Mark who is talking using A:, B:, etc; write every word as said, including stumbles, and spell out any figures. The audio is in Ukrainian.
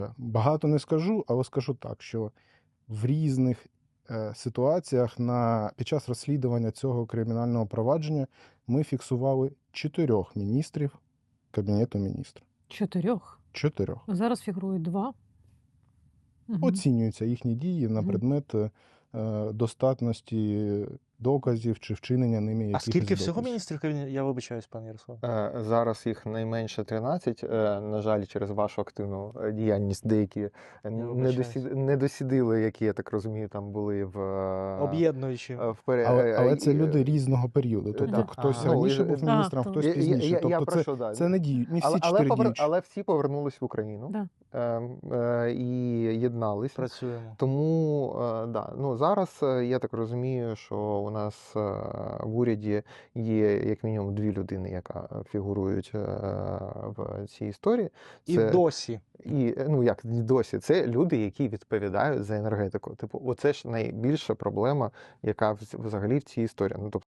A: Багато не скажу, але скажу так, що в різних е, ситуаціях на, під час розслідування цього кримінального провадження ми фіксували чотирьох міністрів Кабінету Міністрів.
B: Чотирьох.
A: Чотирьох.
B: Зараз фігурують два. Угу.
A: Оцінюються їхні дії на
B: Мгм.
A: предмет е, достатності доказів чи вчинення ними
C: А
A: якихось
C: скільки всього
A: доказів.
C: міністрів кабінету? Я вибачаюсь, пане Ярослав.
D: Е, Зараз їх найменше тринадцять. Е, На жаль, через вашу активну е, діяльність деякі не,
C: вибачаюсь.
D: досід... не досідили, які, я так розумію, там були в, е,
C: Об'єднуючи.
D: е, в пере...
A: Але, але
D: е,
A: це
D: і-
A: люди різного періоду. Тобто
D: да.
A: хтось
C: Ага.
A: раніше
D: Ну, і-
A: був
B: А,
A: міністром,
B: то-
A: хтось
D: Я- я-
A: пізніше.
D: я- я
A: Тобто
D: про
A: це,
D: що, да.
A: це не діють, не всі
D: Але, але,
A: чотири
D: повер...
A: діючі.
D: але всі повернулись в Україну
B: Да.
D: е, е, і єдналися.
C: Працюємо.
D: Тому е, да, ну, зараз е, я так розумію, що у нас е, в уряді є як мінімум дві людини, яка фігурують е, в цій історії.
C: І
D: Це,
C: досі.
D: і, ну як і досі, це люди, які відповідають за енергетику. Типу, оце ж найбільша проблема, яка вз- взагалі в цій історії. Ну, тобто,